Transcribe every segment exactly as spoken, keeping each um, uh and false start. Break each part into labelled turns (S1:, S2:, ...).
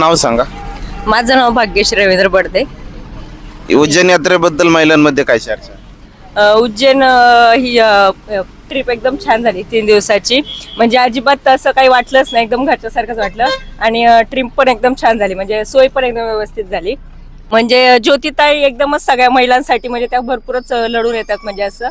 S1: नाव सांगा.
S2: माझं नाव भाग्यश्री रवींद्र बडदे.
S1: उज्जैन यात्रेबद्दल महिलांमध्ये काय चर्चा?
S2: अ, उज्जैन अ, ही ट्रिप एकदम छान झाली तीन दिवसाची. म्हणजे अजिबात असं काही वाटलंच नाही, एकदम घरच्यासारखंच वाटलं. आणि ट्रिप पण एकदम छान झाली, म्हणजे सोय पण एकदम व्यवस्थित झाली. म्हणजे ज्योतिताई एकदमच सगळ्या महिलांसाठी, म्हणजे त्या भरपूरच लढून येतात. म्हणजे असं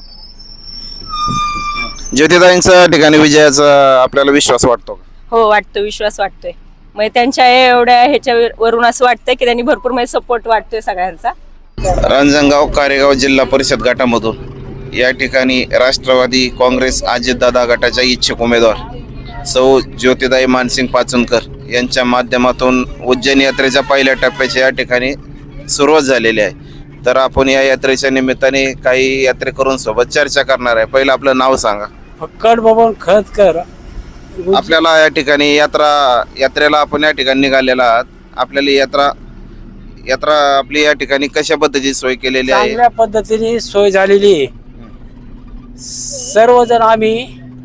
S1: ज्योतिताईंच्या ठिकाणी विजयाचा आपल्याला विश्वास वाटतो का?
S2: हो वाटतो, विश्वास वाटतोय. म्हणजे त्यांच्या एवढ्या ह्याच्यावरून असं वाटतंय की त्यांनी भरपूर म्हणजे सपोर्ट वाटतोय सगळ्यांचा.
S1: रांजणगाव कारेगाव जिल्हा परिषद गटामधून या ठिकाणी राष्ट्रवादी काँग्रेस अजितदादा गटाच्या इच्छुक उमेदवार सौ ज्योतिताई मानसिंग पाचनकर यांच्या माध्यमातून उज्जैन यात्रेच्या पहिल्या टप्प्याची या ठिकाणी सुरुवात झालेली आहे. तर आपण या यात्रेच्या निमित्ताने काही यात्रेकरूंसोबत चर्चा करणार आहे. पहिलं आपलं नाव सांगा.
S3: फक्कड बबन खतकर.
S1: आपल्याला या ठिकाणी यात्रा यात्रेला आपण या ठिकाणी निघालेला आहात. आपल्याला यात्रा यात्रा आपली या ठिकाणी कशा पद्धतीची सोय केलेली आहे?
S3: चांगल्या पद्धतीने सोय झालेली आहे. सर्वजण आम्ही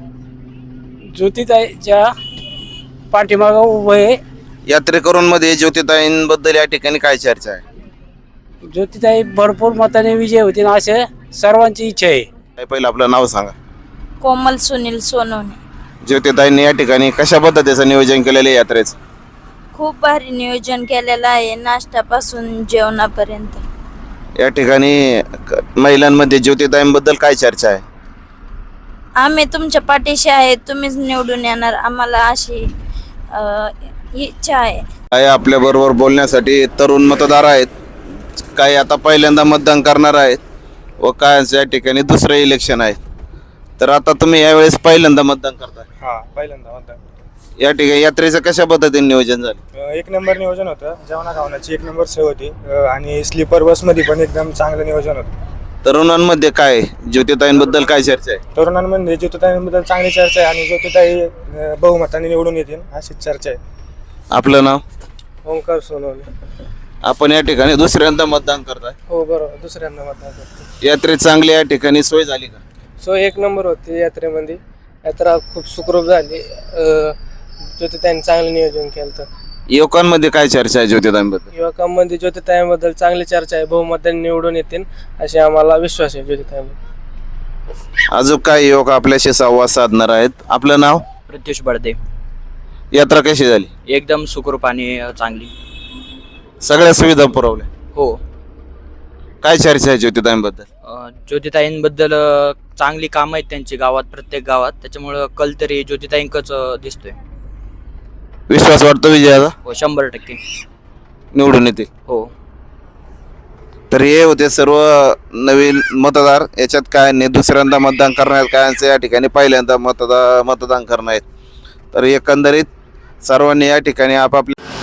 S3: ज्योतिताईच्या पाठीमागं उभे.
S1: यात्रेकरूंमध्ये ज्योतिताईंबद्दल या ठिकाणी काय चर्चा आहे?
S3: ज्योतिताई भरपूर मताने विजय होतील असे सर्वांची इच्छा आहे.
S1: पहिलं आपलं नाव सांगा.
S4: कोमल सुनील सोनवणे.
S1: ज्योतिताईंनी या ठिकाणी कशा पद्धतीचं नियोजन केलेलं आहे यात्रेचं?
S4: खूप भारी नियोजन केलेलं आहे, नाश्त्यापासून जेवणापर्यंत.
S1: या ठिकाणी क- महिलांमध्ये ज्योतिताईंबद्दल काय चर्चा आहे?
S4: आम्ही तुमच्या पाठीशी आहे, तुम्हीच निवडून येणार, आम्हाला अशी अ, इच्छा आहे.
S1: काय आपल्या बरोबर बोलण्यासाठी तरुण मतदार आहेत, काही आता पहिल्यांदा मतदान करणार आहेत व काय या ठिकाणी दुसरं इलेक्शन आहे. तर आता तुम्ही यावेळेस पहिल्यांदा मतदान करताय.
S5: हा पहिल्यांदा मतदान.
S1: या ठिकाणी यात्रेचं कशा पद्धतीने नियोजन झालं?
S5: अ, एक नंबर नियोजन होतं, जेवणा खावण्याची एक नंबर सोय होती. अ, आणि स्लीपर बसमध्ये पण एकदम चांगलं नियोजन होतं.
S1: तरुणांमध्ये काय ज्योतिताईंबद्दल काय चर्चा आहे?
S5: तरुणांमध्ये ज्योतिताईंबद्दल चांगली चर्चा आहे आणि ज्योतिताई अ, बहुमताने निवडून येतील अशीच चर्चा आहे.
S1: आपलं नाव?
S5: ओंकार सोनवणे.
S1: आपण या ठिकाणी दुसऱ्यांदा मतदान करताय.
S5: हो बरोबर, दुसऱ्यांदा मतदान करतो.
S1: यात्रेत चांगली या ठिकाणी सोय झाली का?
S5: सोय एक नंबर होती यात्रेमध्ये. यात्रा खूप सुखरूप झाली. अ, ज्योतिताईंनी चांगलं नियोजन केलं. तर
S1: युवकांमध्ये काय चर्चा आहे ज्योतिताईंबद्दल?
S5: युवकांमध्ये ज्योतिताईंबद्दल चांगली चर्चा आहे, बहुमताने निवडून येतील असे आम्हाला विश्वास आहे ज्योतिताईंबद्दल.
S1: अजून काय युवक आपल्याशी संवाद साधणार आहेत. आपलं नाव?
S6: प्रत्युष बडदे.
S1: यात्रा कशी झाली?
S6: एकदम सुखरूप आणि चांगली.
S1: सगळ्या सुविधा पुरवल्या?
S6: हो.
S1: काय चर्चा आहे ज्योतिताईंबद्दल?
S6: अ, ज्योतिताईंबद्दल अ, चांगली कामं आहेत त्यांची गावात, प्रत्येक गावात. त्याच्यामुळं कल तरी ज्योतिताईंकच अ, दिसतोय.
S1: विश्वास वाटतो विजयाचा?
S6: हो, शंभर टक्के
S1: निवडून येतील.
S6: हो.
S1: तर हे होते सर्व नवीन मतदार. याच्यात काय नाही, दुसऱ्यांदा मतदान करणार कायांचं या ठिकाणी पहिल्यांदा मतदा मतदान करणार आहेत. तर एकंदरीत सर्वांनी या ठिकाणी आपापल्या